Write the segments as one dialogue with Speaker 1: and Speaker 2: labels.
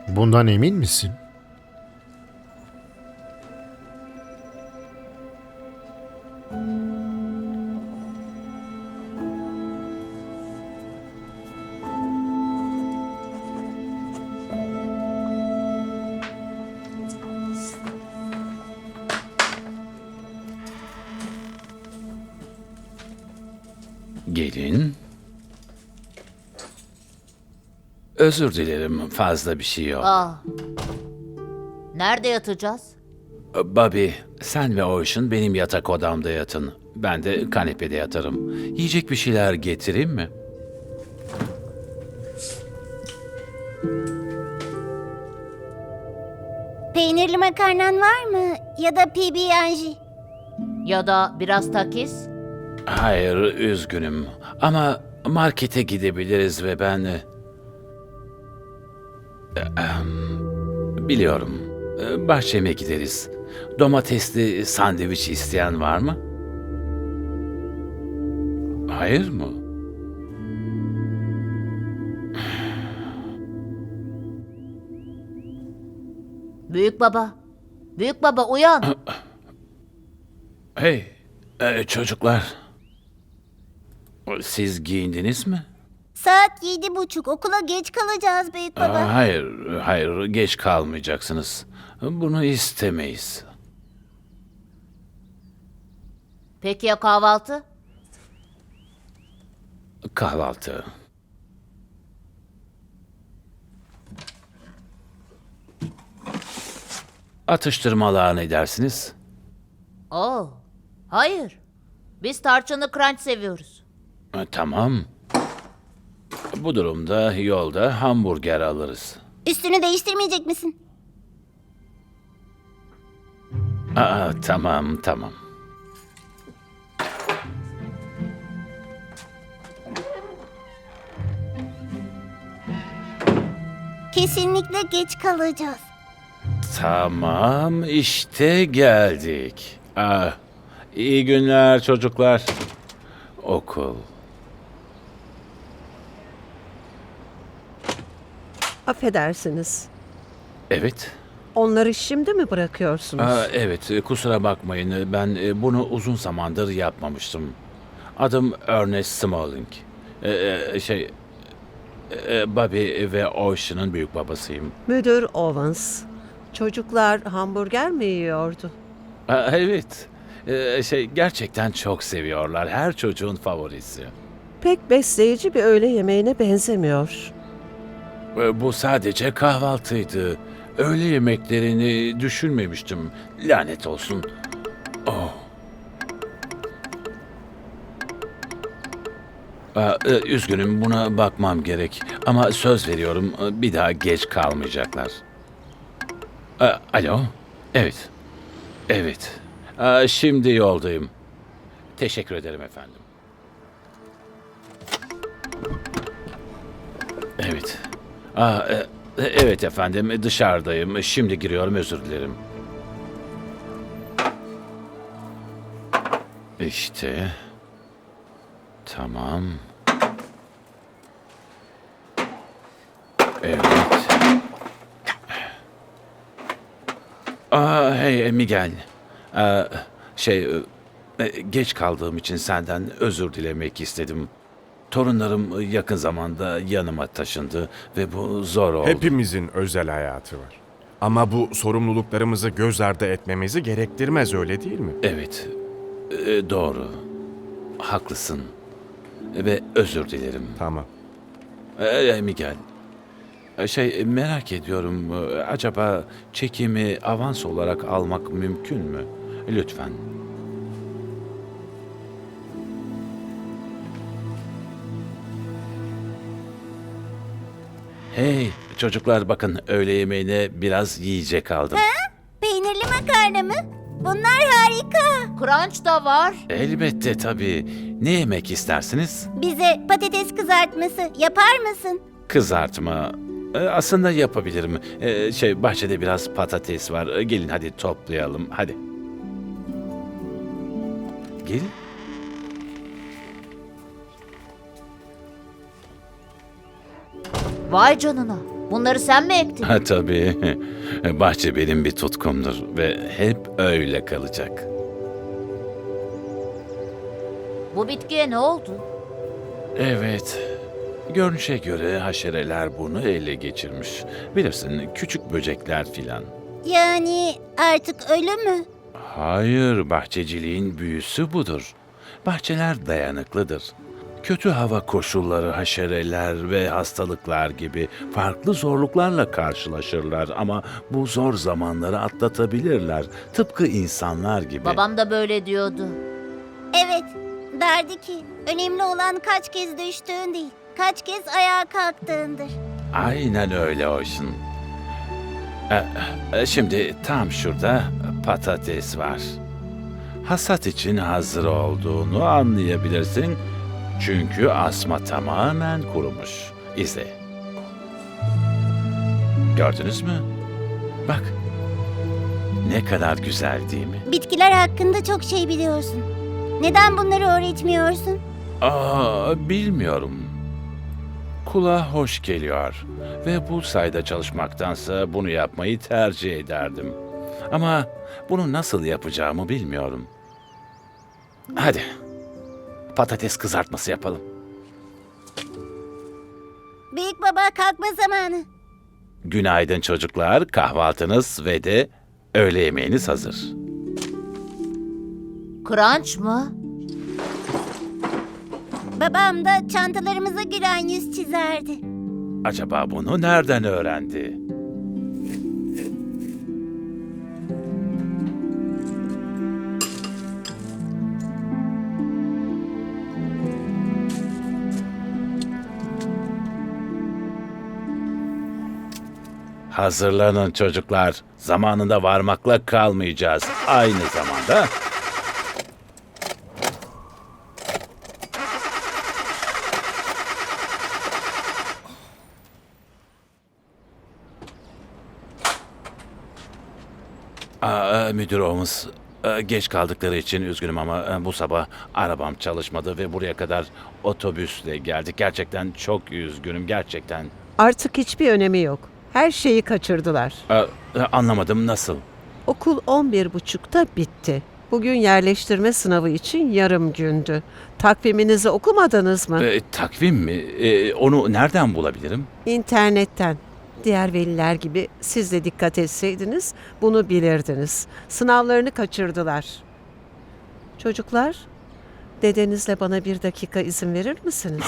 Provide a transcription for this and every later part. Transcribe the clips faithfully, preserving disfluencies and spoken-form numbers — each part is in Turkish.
Speaker 1: Bundan emin misin?
Speaker 2: Gelin. Özür dilerim, fazla bir şey yok.
Speaker 3: Aa. Nerede yatacağız?
Speaker 2: Bobby, sen ve Ocean benim yatak odamda yatın. Ben de kanepede yatarım. Yiyecek bir şeyler getireyim mi?
Speaker 4: Peynirli makarnan var mı? Ya da P B and
Speaker 3: Ya da biraz takis?
Speaker 2: Hayır, üzgünüm. Ama markete gidebiliriz ve ben... e, em, Biliyorum. E, Bahçeme gideriz. Domatesli sandviç isteyen var mı? Hayır mı?
Speaker 3: Büyük baba. Büyük baba uyan.
Speaker 2: Hey, e, çocuklar. Siz giyindiniz mi?
Speaker 4: Saat yedi buçuk. Okula geç kalacağız büyük baba.
Speaker 2: Aa, hayır, hayır, geç kalmayacaksınız. Bunu istemeyiz.
Speaker 3: Peki ya kahvaltı?
Speaker 2: Kahvaltı. Atıştırmalığa ne dersiniz?
Speaker 3: Oo. Hayır. Biz tarçınlı crunch seviyoruz.
Speaker 2: E, Tamam. Bu durumda yolda hamburger alırız.
Speaker 4: Üstünü değiştirmeyecek misin?
Speaker 2: Aa, tamam, tamam.
Speaker 4: Kesinlikle geç kalacağız.
Speaker 2: Tamam, işte geldik. Ah, iyi günler çocuklar. Okul.
Speaker 5: Affedersiniz.
Speaker 2: Evet.
Speaker 5: Onları şimdi mi bırakıyorsunuz?
Speaker 2: Aa, evet, e, kusura bakmayın. Ben e, bunu uzun zamandır yapmamıştım. Adım Ernest Smalling. E, e, şey, e, Bobby ve Ocean'ın büyük babasıyım.
Speaker 5: Müdür Owens. Çocuklar hamburger mi yiyordu?
Speaker 2: Aa, evet, E, şey gerçekten çok seviyorlar. Her çocuğun favorisi.
Speaker 5: Pek besleyici bir öğle yemeğine benzemiyor.
Speaker 2: E, Bu sadece kahvaltıydı. Öğle yemeklerini düşünmemiştim. Lanet olsun. Oh. Aa, e, üzgünüm, buna bakmam gerek. Ama söz veriyorum, e, bir daha geç kalmayacaklar. Aa, alo? Evet. Evet. Aa, şimdi yoldayım. Teşekkür ederim efendim. Evet. Aa, e, e, evet efendim, dışarıdayım. Şimdi giriyorum, özür dilerim. İşte. Tamam. Evet. Aa, hey Miguel. Aa, şey, e, geç kaldığım için senden özür dilemek istedim. Torunlarım yakın zamanda yanıma taşındı ve bu zor oldu.
Speaker 6: Hepimizin özel hayatı var. Ama bu sorumluluklarımızı göz ardı etmemizi gerektirmez, öyle değil mi?
Speaker 2: Evet, e, doğru. Haklısın. Ve özür dilerim.
Speaker 6: Tamam.
Speaker 2: Ee, Miguel, e, şey merak ediyorum, e, acaba çekimi avans olarak almak mümkün mü? Lütfen. Hey çocuklar, bakın öğle yemeğine biraz yiyecek aldım.
Speaker 4: Peynirli makarna mı? Bunlar harika.
Speaker 3: Crunch da var.
Speaker 2: Elbette tabii. Ne yemek istersiniz?
Speaker 4: Bize patates kızartması yapar mısın?
Speaker 2: Kızartma. E, Aslında yapabilirim. E, Şey bahçede biraz patates var. E, Gelin hadi toplayalım. Hadi. Gelin.
Speaker 3: Vay canına. Bunları sen mi ektin?
Speaker 2: Ha tabii. Bahçe benim bir tutkumdur ve hep öyle kalacak.
Speaker 3: Bu bitkiye ne oldu?
Speaker 2: Evet. Görünüşe göre haşereler bunu ele geçirmiş. Bilirsin, küçük böcekler filan.
Speaker 4: Yani artık ölü mü?
Speaker 2: Hayır, bahçeciliğin büyüsü budur. Bahçeler dayanıklıdır. Kötü hava koşulları, haşereler ve hastalıklar gibi farklı zorluklarla karşılaşırlar ama bu zor zamanları atlatabilirler. Tıpkı insanlar gibi.
Speaker 3: Babam da böyle diyordu.
Speaker 4: Evet, derdi ki önemli olan kaç kez düştüğün değil, kaç kez ayağa kalktığındır.
Speaker 2: Aynen öyle olsun. Ee, e, Şimdi tam şurada patates var. Hasat için hazır olduğunu anlayabilirsin. Çünkü asma tamamen kurumuş. İzle. Gördünüz mü? Bak. Ne kadar güzel değil mi?
Speaker 4: Bitkiler hakkında çok şey biliyorsun. Neden bunları öğretmiyorsun?
Speaker 2: Aa, bilmiyorum. Kulağa hoş geliyor ve bu sayede çalışmaktansa bunu yapmayı tercih ederdim. Ama bunu nasıl yapacağımı bilmiyorum. Hadi, patates kızartması yapalım.
Speaker 4: Büyük baba kalkma zamanı.
Speaker 2: Günaydın çocuklar, kahvaltınız ve de öğle yemeğiniz hazır.
Speaker 3: Crunch mı?
Speaker 4: Babam da çantalarımıza gülen yüz çizerdi.
Speaker 2: Acaba bunu nereden öğrendi? Hazırlanın çocuklar. Zamanında varmakla kalmayacağız. Aynı zamanda Aa, müdür olmuş. Ee, Geç kaldıkları için üzgünüm ama e, bu sabah arabam çalışmadı ve buraya kadar otobüsle geldik. Gerçekten çok üzgünüm, gerçekten.
Speaker 5: Artık hiçbir önemi yok. Her şeyi kaçırdılar.
Speaker 2: Ee, e, Anlamadım, nasıl?
Speaker 5: Okul on bir buçukta bitti. Bugün yerleştirme sınavı için yarım gündü. Takviminizi okumadınız mı?
Speaker 2: Ee, takvim mi? Ee, onu nereden bulabilirim?
Speaker 5: İnternetten. Diğer veliler gibi siz de dikkat etseydiniz bunu bilirdiniz. Sınavlarını kaçırdılar. Çocuklar, dedenizle bana bir dakika izin verir misiniz?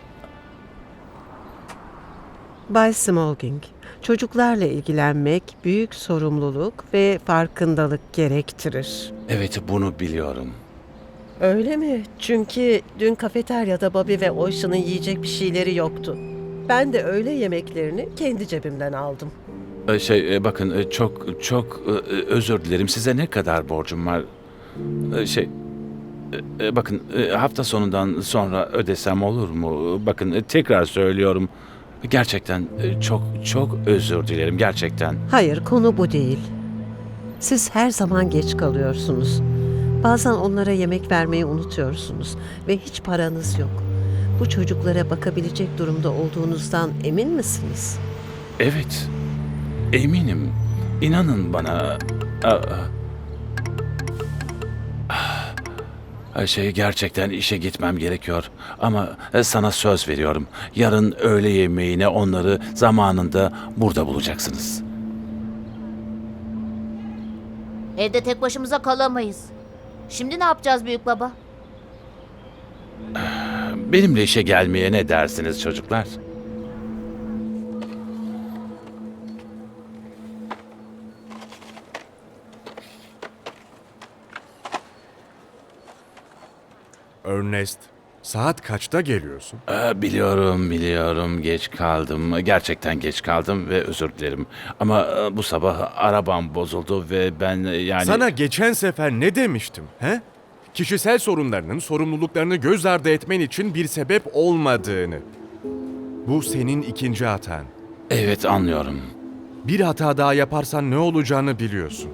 Speaker 5: Bay Smolging, çocuklarla ilgilenmek büyük sorumluluk ve farkındalık gerektirir.
Speaker 2: Evet, bunu biliyorum.
Speaker 5: Öyle mi? Çünkü dün kafeteryada Bobby ve Ocean'ın yiyecek bir şeyleri yoktu. Ben de öğle yemeklerini kendi cebimden aldım.
Speaker 2: Ee, Şey, e, bakın e, çok çok e, e, özür dilerim. Size ne kadar borcum var? Ee, Şey, e, e, bakın e, hafta sonundan sonra ödesem olur mu? Bakın e, tekrar söylüyorum. Gerçekten e, çok çok özür dilerim, gerçekten.
Speaker 5: Hayır, konu bu değil. Siz her zaman geç kalıyorsunuz. Bazen onlara yemek vermeyi unutuyorsunuz ve hiç paranız yok. Bu çocuklara bakabilecek durumda olduğunuzdan emin misiniz?
Speaker 2: Evet, eminim. İnanın bana. Aa, ah, Şey, gerçekten işe gitmem gerekiyor. Ama e, sana söz veriyorum. Yarın öğle yemeğine onları zamanında burada bulacaksınız.
Speaker 3: Evde tek başımıza kalamayız. Şimdi ne yapacağız büyük baba?
Speaker 2: Benimle işe gelmeye ne dersiniz çocuklar?
Speaker 6: Ernest, saat kaçta geliyorsun?
Speaker 2: Aa, biliyorum, biliyorum. Geç kaldım. Gerçekten geç kaldım ve özür dilerim. Ama e, bu sabah arabam bozuldu ve ben e, yani...
Speaker 6: Sana geçen sefer ne demiştim, he? Kişisel sorunlarının sorumluluklarını göz ardı etmen için bir sebep olmadığını. Bu senin ikinci hatan.
Speaker 2: Evet, anlıyorum.
Speaker 6: Bir hata daha yaparsan ne olacağını biliyorsun.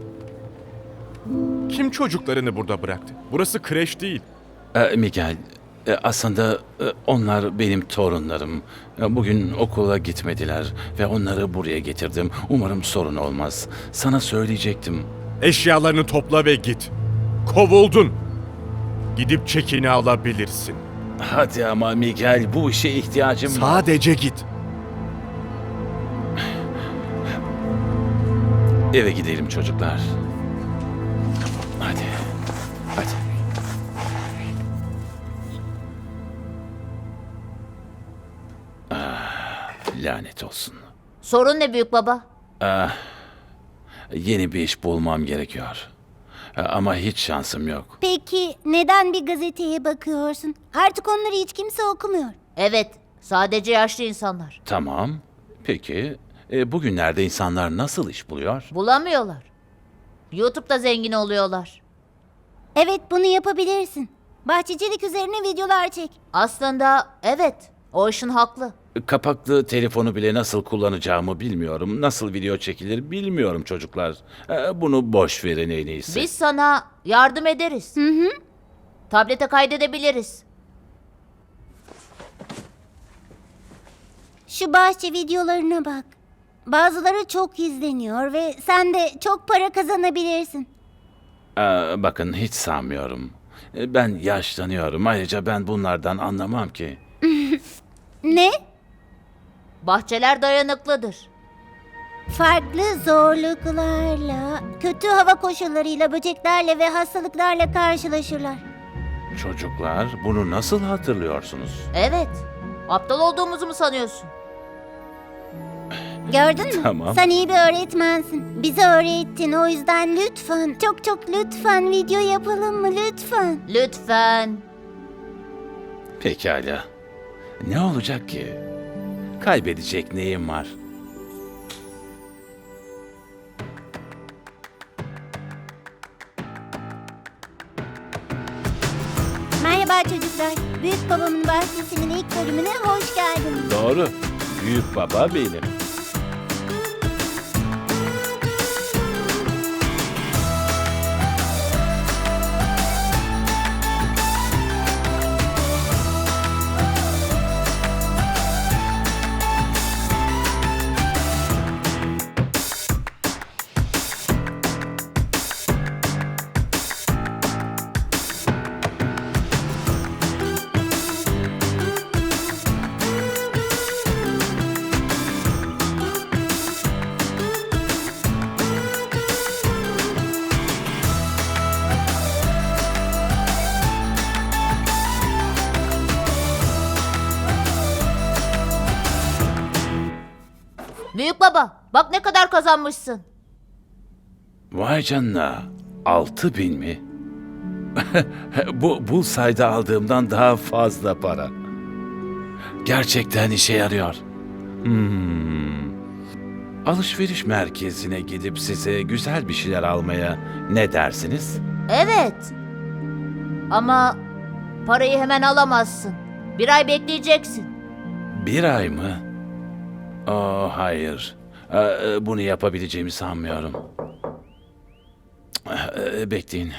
Speaker 6: Kim çocuklarını burada bıraktı? Burası kreş değil.
Speaker 2: Ee, Miguel, E, aslında e, onlar benim torunlarım. E, Bugün okula gitmediler ve onları buraya getirdim. Umarım sorun olmaz. Sana söyleyecektim.
Speaker 6: Eşyalarını topla ve git. Kovuldun. Gidip çekini alabilirsin.
Speaker 2: Hadi ama Miguel, bu işe ihtiyacım var.
Speaker 6: Sadece git.
Speaker 2: Eve gidelim çocuklar. Hadi. Hadi. Ah, lanet olsun.
Speaker 3: Sorun ne büyük baba?
Speaker 2: Yeni bir iş bulmam gerekiyor. Ama hiç şansım yok.
Speaker 4: Peki neden bir gazeteye bakıyorsun? Artık onları hiç kimse okumuyor.
Speaker 3: Evet, sadece yaşlı insanlar.
Speaker 2: Tamam. Peki, e, bugünlerde insanlar nasıl iş buluyor?
Speaker 3: Bulamıyorlar. YouTube'da zengin oluyorlar.
Speaker 4: Evet, bunu yapabilirsin. Bahçecilik üzerine videolar çek.
Speaker 3: Aslında evet, o işin haklı.
Speaker 2: Kapaklı telefonu bile nasıl kullanacağımı bilmiyorum. Nasıl video çekilir bilmiyorum çocuklar. E, Bunu boş verin en iyisi.
Speaker 3: Biz sana yardım ederiz. Hı hı. Tablete kaydedebiliriz.
Speaker 4: Şu bahçe videolarına bak. Bazıları çok izleniyor ve sen de çok para kazanabilirsin.
Speaker 2: E, bakın hiç sanmıyorum. E, Ben yaşlanıyorum. Ayrıca ben bunlardan anlamam ki.
Speaker 4: Ne?
Speaker 3: Bahçeler dayanıklıdır.
Speaker 4: Farklı zorluklarla, kötü hava koşullarıyla, böceklerle ve hastalıklarla karşılaşırlar.
Speaker 2: Çocuklar, bunu nasıl hatırlıyorsunuz?
Speaker 3: Evet. Aptal olduğumuzu mu sanıyorsun?
Speaker 4: Gördün mü?
Speaker 2: Tamam.
Speaker 4: Sen iyi bir öğretmensin. Bize öğrettin, o yüzden lütfen, çok çok lütfen video yapalım mı lütfen?
Speaker 3: Lütfen.
Speaker 2: Pekala. Ne olacak ki? Kaybedecek neyim var?
Speaker 4: Merhaba çocuklar. Büyük babamın bahçesinin ilk bölümüne hoş geldiniz.
Speaker 2: Doğru. Büyük baba benim.
Speaker 3: Büyük baba, bak ne kadar kazanmışsın.
Speaker 2: Vay canına. Altı bin mi? Bu Bullseye'da aldığımdan daha fazla para. Gerçekten işe yarıyor. Hmm. Alışveriş merkezine gidip size güzel bir şeyler almaya ne dersiniz?
Speaker 3: Evet. Ama parayı hemen alamazsın. Bir ay bekleyeceksin.
Speaker 2: Bir ay mı? Oh hayır. Ee, Bunu yapabileceğimi sanmıyorum. Ee, Bekleyin.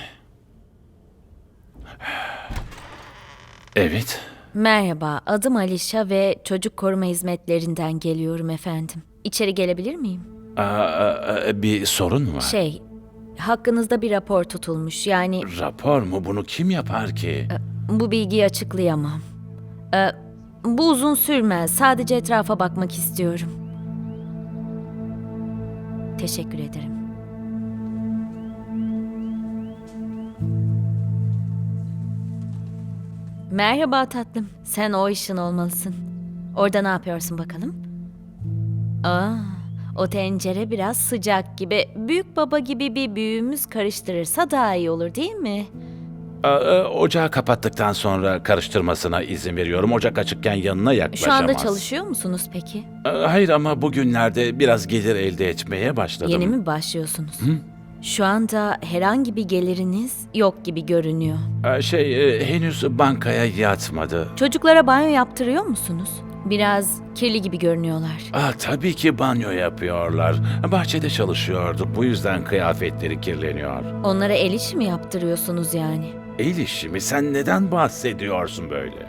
Speaker 2: Evet.
Speaker 1: Merhaba, adım Alişa ve çocuk koruma hizmetlerinden geliyorum efendim. İçeri gelebilir miyim?
Speaker 2: Aa, bir sorun mu var?
Speaker 1: Şey, hakkınızda bir rapor tutulmuş. Yani
Speaker 2: Rapor mu? Bunu kim yapar ki?
Speaker 1: bu bilgiyi açıklayamam. Ee, bu uzun sürmez. Sadece etrafa bakmak istiyorum. Teşekkür ederim. Merhaba tatlım. Sen o işin olmalısın. Orada ne yapıyorsun bakalım? Aa, o tencere biraz sıcak gibi. Büyük baba gibi bir büyüğümüz karıştırırsa daha iyi olur değil mi?
Speaker 2: Aa, Ocağı kapattıktan sonra karıştırmasına izin veriyorum. Ocak açıkken yanına
Speaker 1: Şu
Speaker 2: yaklaşamaz.
Speaker 1: anda çalışıyor musunuz peki?
Speaker 2: Aa, Hayır ama bugünlerde biraz gelir elde etmeye başladım.
Speaker 1: Yeni mi başlıyorsunuz? Şu anda herhangi bir geliriniz yok gibi görünüyor.
Speaker 2: Aa, Şey, e, henüz bankaya yatmadı.
Speaker 1: Çocuklara banyo yaptırıyor musunuz? Biraz kirli gibi görünüyorlar.
Speaker 2: Aa, tabii ki banyo yapıyorlar. Bahçede çalışıyorduk. Bu yüzden kıyafetleri kirleniyor.
Speaker 1: Onlara el işi mi yaptırıyorsunuz yani?
Speaker 2: El işi mi? Sen neden bahsediyorsun böyle?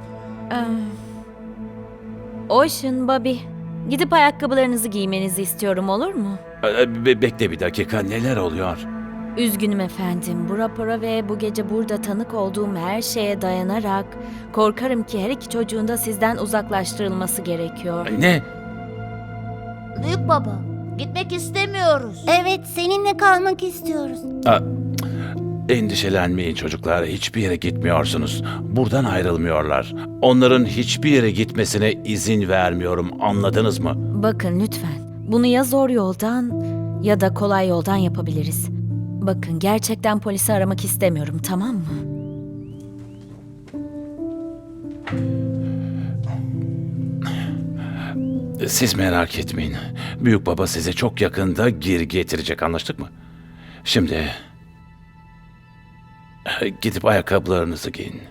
Speaker 1: Ocean, Bobby, gidip ayakkabılarınızı giymenizi istiyorum, olur mu?
Speaker 2: Ee, be- bekle bir dakika, neler oluyor?
Speaker 1: Üzgünüm efendim. Bu rapora ve bu gece burada tanık olduğum her şeye dayanarak korkarım ki her iki çocuğun da sizden uzaklaştırılması gerekiyor.
Speaker 2: Ne?
Speaker 3: Büyük baba, gitmek istemiyoruz.
Speaker 4: Evet, seninle kalmak istiyoruz.
Speaker 2: Aa, endişelenmeyin çocuklar, hiçbir yere gitmiyorsunuz. Buradan ayrılmıyorlar. Onların hiçbir yere gitmesine izin vermiyorum, anladınız mı?
Speaker 1: Bakın lütfen. Bunu ya zor yoldan ya da kolay yoldan yapabiliriz. Bakın, gerçekten polisi aramak istemiyorum, tamam mı?
Speaker 2: Siz merak etmeyin. Büyük baba sizi çok yakında geri getirecek, anlaştık mı? Şimdi gidip ayakkabılarınızı giyin.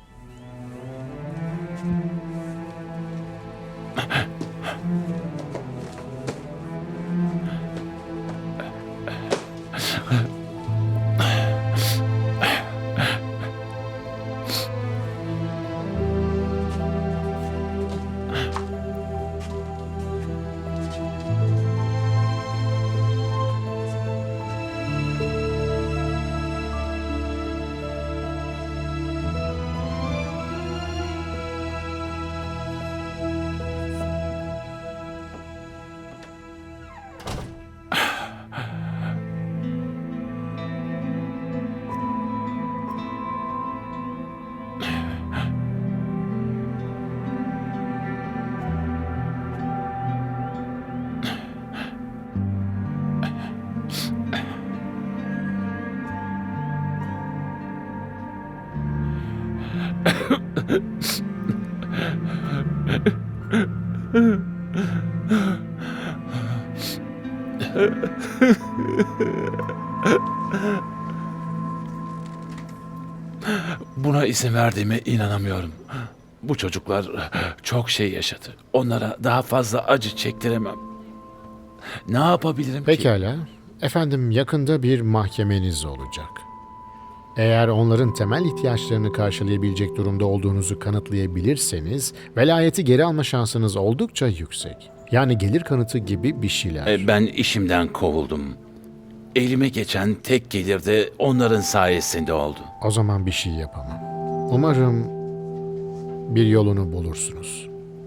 Speaker 2: Buna izin verdiğime inanamıyorum. Bu çocuklar çok şey yaşadı. Onlara daha fazla acı çektiremem. Ne yapabilirim ki?
Speaker 7: Pekala. Efendim, yakında bir mahkemeniz olacak. Eğer onların temel ihtiyaçlarını karşılayabilecek durumda olduğunuzu kanıtlayabilirseniz, velayeti geri alma şansınız oldukça yüksek. Yani gelir kanıtı gibi bir şeyler.
Speaker 2: E, Ben işimden kovuldum. Elime geçen tek gelir de onların sayesinde oldu.
Speaker 7: O zaman bir şey yapamam. Umarım bir yolunu bulursunuz.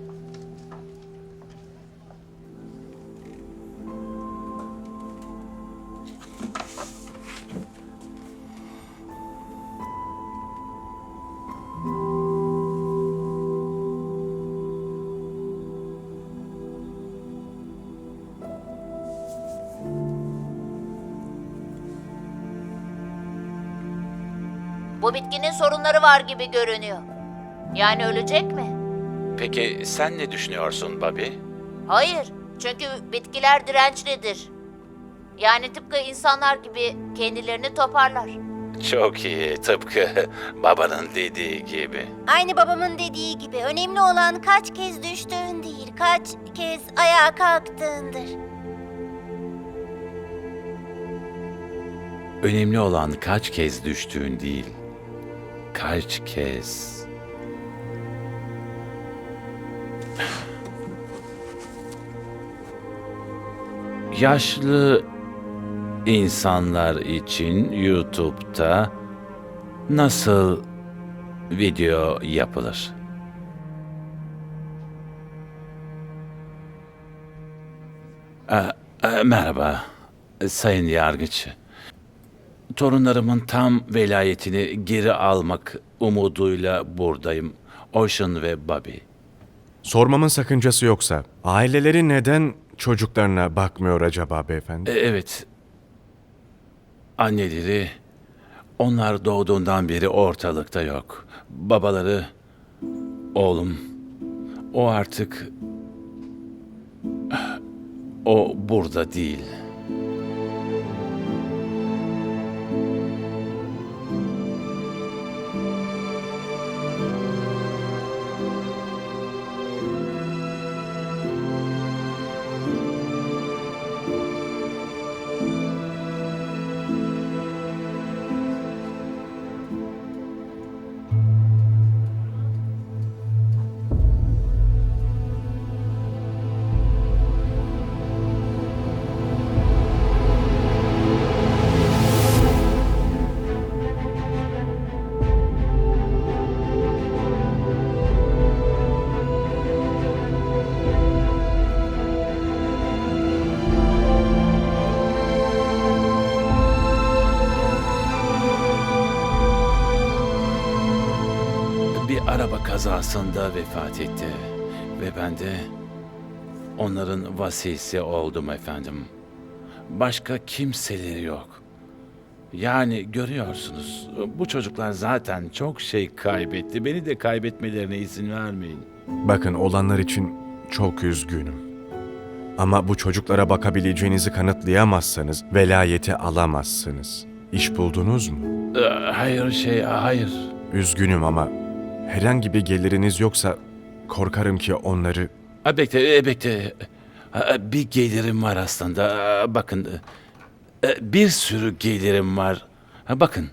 Speaker 3: Bu bitkinin sorunları var gibi görünüyor. Yani ölecek mi?
Speaker 2: Peki sen ne düşünüyorsun Bobby?
Speaker 3: Hayır, çünkü bitkiler dirençlidir. Yani tıpkı insanlar gibi kendilerini toparlar.
Speaker 2: Çok iyi, tıpkı babanın dediği gibi.
Speaker 4: Aynı babamın dediği gibi önemli olan kaç kez düştüğün değil, kaç kez ayağa kalktığındır.
Speaker 2: Önemli olan kaç kez düştüğün değil, kaç kez... Yaşlı insanlar için YouTube'da nasıl video yapılır? Ee, e, merhaba, Sayın Yargıç. Torunlarımın tam velayetini geri almak umuduyla buradayım. Ocean ve Bobby.
Speaker 6: Sormamın sakıncası yoksa, aileleri neden çocuklarına bakmıyor acaba beyefendi?
Speaker 2: E, evet. Anneleri, onlar doğduğundan beri ortalıkta yok. Babaları, oğlum, o artık... O burada değil. kazasında vefat etti ve ben de onların vasisi oldum efendim. Başka kimseleri yok. Yani görüyorsunuz, bu çocuklar zaten çok şey kaybetti. Beni de kaybetmelerine izin vermeyin.
Speaker 6: Bakın, olanlar için çok üzgünüm. Ama bu çocuklara bakabileceğinizi kanıtlayamazsanız velayeti alamazsınız. İş buldunuz mu?
Speaker 2: Ee, Hayır şey, hayır.
Speaker 6: Üzgünüm ama herhangi bir geliriniz yoksa korkarım ki onları...
Speaker 2: Ha, bekle, e, bekle. Ha, bir gelirim var aslında. Ha, bakın, e, bir sürü gelirim var. Ha, bakın.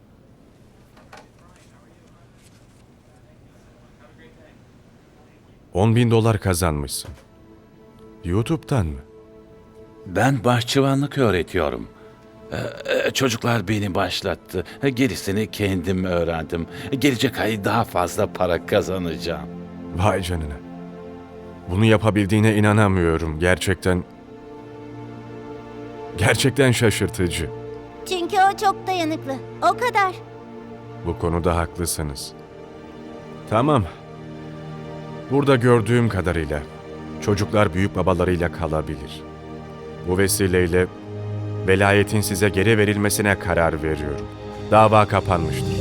Speaker 6: On bin dolar kazanmışsın. YouTube'dan mı?
Speaker 2: Ben bahçıvanlık öğretiyorum. Ee, e, Çocuklar beni başlattı. Ha, Gerisini kendim öğrendim. Gelecek ay daha fazla para kazanacağım.
Speaker 6: Vay canına. Bunu yapabildiğine inanamıyorum. Gerçekten... Gerçekten şaşırtıcı.
Speaker 4: Çünkü o çok dayanıklı. O kadar.
Speaker 6: Bu konuda haklısınız. Tamam. Burada gördüğüm kadarıyla çocuklar büyük babalarıyla kalabilir. Bu vesileyle velayetin size geri verilmesine karar veriyorum. Dava kapanmıştır.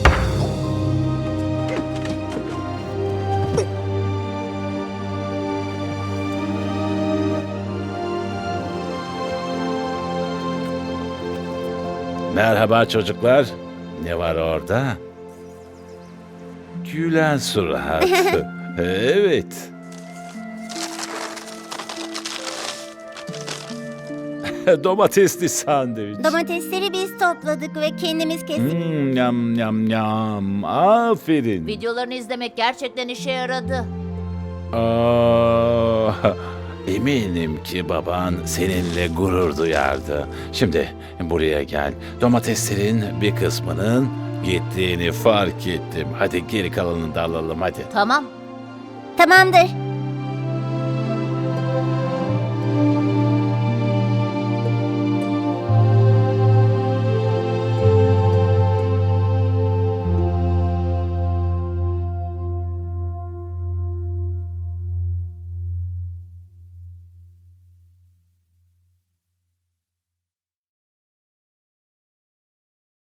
Speaker 2: Merhaba çocuklar. Ne var orada? Gülen surat. Evet. Domatesli sandviç.
Speaker 4: Domatesleri biz topladık ve kendimiz kestik.
Speaker 2: Hmm, yam yam yam. Aferin.
Speaker 3: Videolarını izlemek gerçekten işe yaradı.
Speaker 2: Aa, eminim ki baban seninle gurur duyardı. Şimdi buraya gel. Domateslerin bir kısmının gittiğini fark ettim. Hadi geri kalanını da alalım hadi.
Speaker 3: Tamam.
Speaker 4: Tamamdır.